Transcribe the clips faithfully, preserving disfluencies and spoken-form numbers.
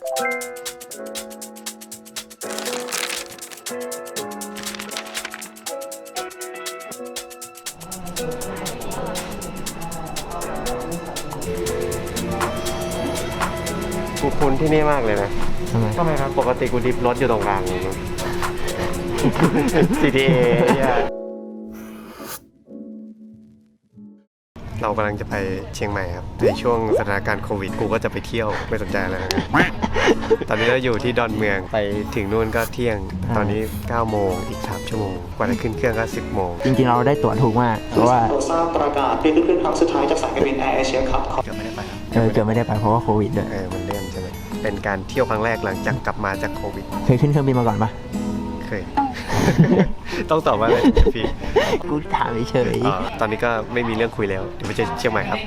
กูคุ้นที่นี่มากเลยนะทำไมทำไมครับปกติกูดิฟรถอยู่ตรงกลาง ซี ที เอ เนี่ยเรากำลังจะไปเชียงใหม่ครับในช่วงสถานการณ์โควิดกูก็จะไปเที่ยวไม่สนใจอะไรนะ ตอนนี้เราอยู่ที่ดอนเมืองไปถึงนู่นก็เที่ยงตอนนี้เก้าโมงอีกสามชั่วโมงกว่าจะขึ้นเครื่องก็สิบโมงจริงๆเราได้ตั๋วถูกมากเพราะว่าทราบประกาศเปลี่ยนขึ้นครั้งสุดท้ายจากสายการบินแอร์เอเชียครับเกือบไม่ได้ไปครับเออเกือบไม่ได้ไปเพราะว่าโควิดด้วยเออมันเลื่อนใช่ไหมเป็นการเที่ยวครั้งแรกหลังจากกลับมาจากโควิดเคยขึ้นเครื่องบินมาก่อนปะเคย ต้องตอบว่าอะไรพี่กูถามเฉยอ๋อตอนนี้ก็ไม่มีเรื่องคุยแล้วเดี๋ยวไปเจอเชียงใหม่ครับ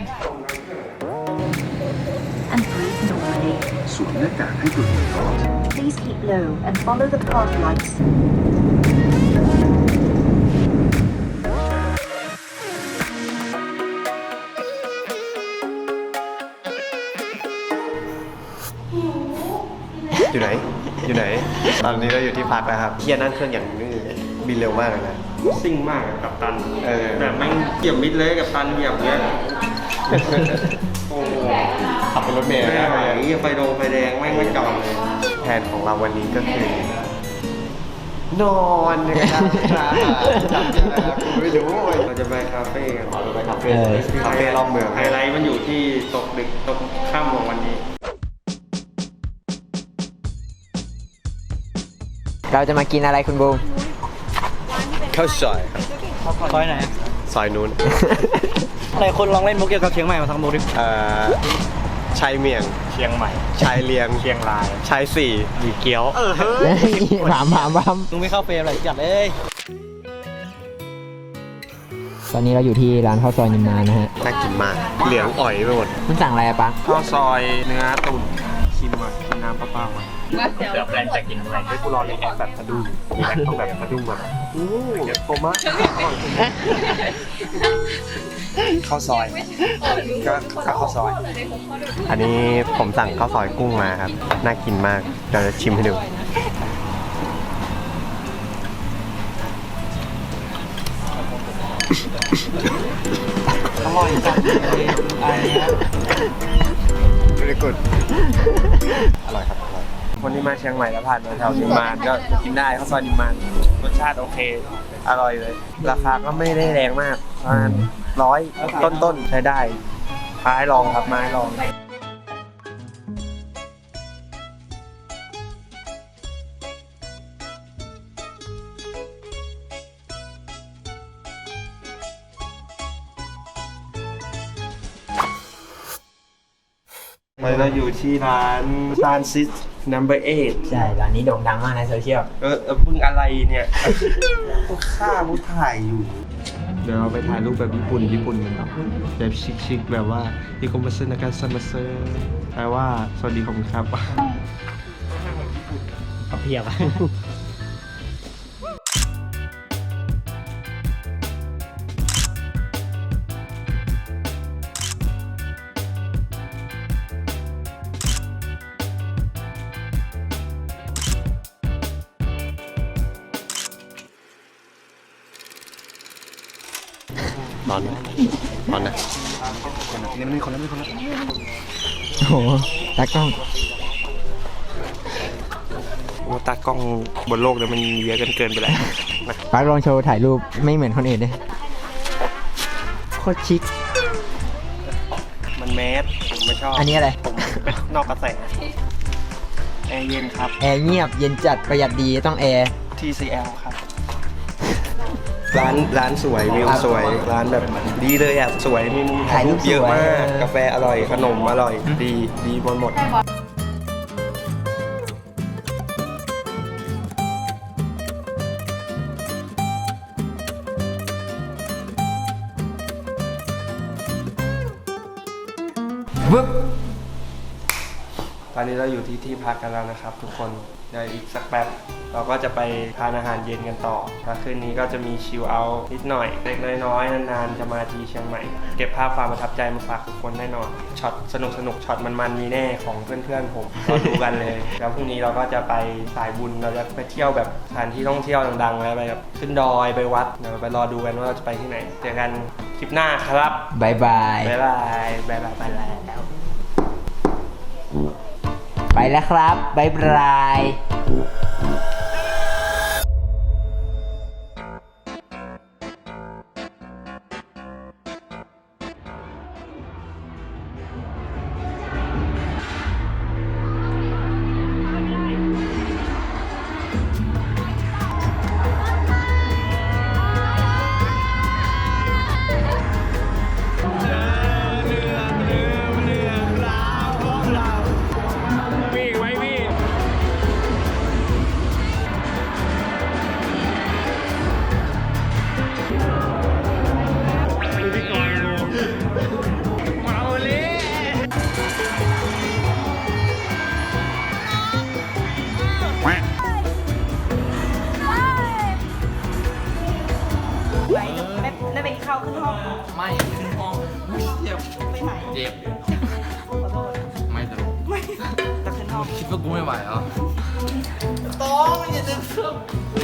and breathe normally. สวมหน้ากากให้ตัวเองก่อน Please keep low and follow the path lights. อยู่ไหน อยู่ไหน ตอนนี้เราอยู่ที่พักแล้วครับเฮียนั่งเครื่องอย่างนี้บินเร็วมากเลยนะซิ่งมากอะกับตันเออแบบแม่งเหยียบมิดเลยกับตันเหยียบเนี้ยโอ้โหขับเป็นรถเมล์ไม่นะไหวไฟโดงไฟแดงแม่งไม่จอดเลยแผนของเราวันนี้ก็คือนอนนะครับจำยังไงครับกูไม่รู้เว้ยเราจะไปคาเฟ่กันเราไปคาเฟ่คาเฟ่รอบเมืองไฮไลท์มันอยู่ที่ตกดึกตกค่ำของวันนี้ๆเราจะมากินอะไรคุณบูมข้าวซอยซอยไหนซอยนู้นอะไรคนลองเล่นมุกเกี่ยวกับเชียงใหม่มาทั้งมุกดิเอ่อชายเมียงเชียงใหม่ชายเลียงเชียงรายชายสี่หยีเกี๊ยวถามถามถามมึงไม่เข้าเฟรมอะไรจัดเลยตอนนี้เราอยู่ที่ร้านข้าวซอยนิมมานนะฮะน่ากินมาก เหลืองอ่อยไปหมดคุณสั่งอะไรอะปังข้าวซอยเนื้อตุ๋นชิมก่อนกินน้ำเปล่าๆก่อนเดี๋ยวแปลนจะกินอะไรให้กูรอในแอปแบบสะดุ้งมีแอปต้องแบบสะดุ้งแบบโอ้เดี๋ยวโคมะข้าวซอยก็ข้าวซอยอันนี้ผมสั่งข้าวซอยกุ้งมาครับ น่ากินมาก เดี๋ยวจะชิมให้ดูอร่อยจังเลยอันนี้ very good อร่อยครับ อร่อยคนที่มาเชียงใหม่แล้วผ่านมาแถวนิมมานก็กินได้ข้าวซอยนิมมานรสชาติโอเค อร่อยเลย ราคาก็ไม่ได้แรงมากประมาณร้อยต้นๆใช้ได้มาให้ลองครับมาให้ลอง เราอยู่ที่ร้านซานซิส number eight ใช่ร้านนี้โด่งดังมากในโซเชียลเออเออมึงอะไรเนี่ยกูฆ่ากูถ่ายอยู่ เดี๋ยวเราไปถ่ายรูปแบบญี่ปุ่นญี่ปุ่นกันเนาะแบบชิคๆแบบว่าอีโคมาซึนาการซันมาเซอร์แปลว่าสวัสดีขอบคุณครับเขาเพียบนอนนอนนะนี่มันมีคนแล้วมีคนแล้วโอ้โหตากล้องโอ้ตากล้องบนโลกเนี่ยมันเยอะเกินเกินไปแล้วปักลองโชว์ถ่ายรูปไม่เหมือนคนอื่นเลยโคตรชิคมันแมสผมไม่ชอบอันนี้อะไรผมนอกกระแสแอร์เย็นครับแอร์เงียบเย็นจัดประหยัดดีต้องแอร์ที ซี แอล ครับ ร้านร้านสวยวิวสวย ร้านแบบดีเลยอ่ะ สวยมีมุมถ่ายรูปเยอะมาก กาแฟอร่อย ขนมอร่อย ดีดีหมดหมดวึบตอนอนนี้เราอยู่ที่ที่พักกันแล้วนะครับ ทุกคนเดี๋ยวอีกสักแป๊บเราก็จะไปทานอาหารเย็นกันต่อแล้วคืนนี้ก็จะมีชิลเอาท์นิดหน่อยเล็กน้อยๆนานๆจะมาทีเชียงใหม่เก็บภาพความประทับใจมาฝากทุกคนแน่นอนช็อตสนุกสนุกช็อตมันๆมีแน่ของเพื่อนๆผมรอดูกันเลยแล้วพรุ่งนี้เราก็จะไปสายบุญเราจะไปเที่ยวแบบสถานที่ท่องเที่ยวดังๆแล้วไปแบบขึ้นดอยไปวัดเดี๋ยวไปรอดูกันว่าเราจะไปที่ไหนเจอกันคลิปหน้าครับบายบายบ๊ายบายบ๊ายบายไปแล้วไปแล้วครับบายบายได้ไปเข้าขึ้นห้องไม่ขึ้นห้องเจ็บไปไหนเจ็บขอโทษไม่ตลกไม่จะขึ้นห้องคิดว่ากูไม่ไหวเหรอต้องมันจะดึงเครื่อง